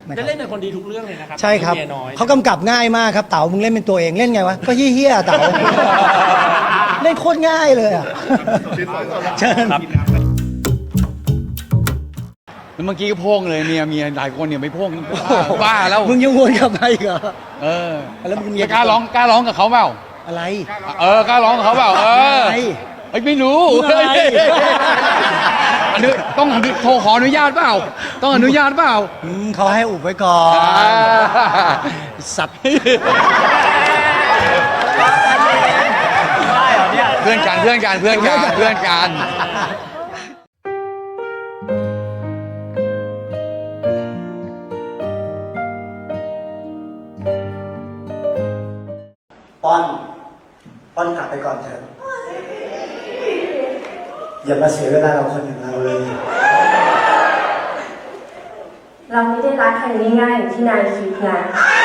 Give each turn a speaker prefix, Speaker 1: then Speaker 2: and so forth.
Speaker 1: จะเล่นเป็นคนดีทุกเรื่องเลยนะครับ
Speaker 2: ใช่ครับ
Speaker 1: เมียน้อย
Speaker 2: เขากำกับง่ายมากครับเต๋ามึงเล่นเป็นตัวเองเล่นไงวะก็เฮี้ยๆเต๋า เล่นโคตรง่ายเลยอ่ะเชิญ
Speaker 3: แล้วเมื่อกี้ก็โพ่งเลยเมียหลายคนเนี่ยไม่โพ่งบ้าแล้ว
Speaker 2: มึงยังวนกลับมาอีกเหรอ
Speaker 3: เออ
Speaker 2: แล้วมึง
Speaker 3: กล้าร้องกับเขาเปล่า
Speaker 2: อะไร
Speaker 3: กล้าร้องกับเขาเปล่า
Speaker 2: อะไร
Speaker 3: เฮ้ยไม่รู้
Speaker 2: มึงอะไร
Speaker 3: อันนี้ต้องโทรขออนุญาตเปล่าต้องอนุญาตเปล่า
Speaker 2: เขาให้อุบไว้ก่อนสับ
Speaker 3: เพื่อนกัน
Speaker 2: ป้อนกลับไปก่อนเถอะอย่ามาเสียเวลาเราคนอย่างเราเลย
Speaker 4: เราไม่ได้รักกันง่ายๆอย่างที่นายคิดนะ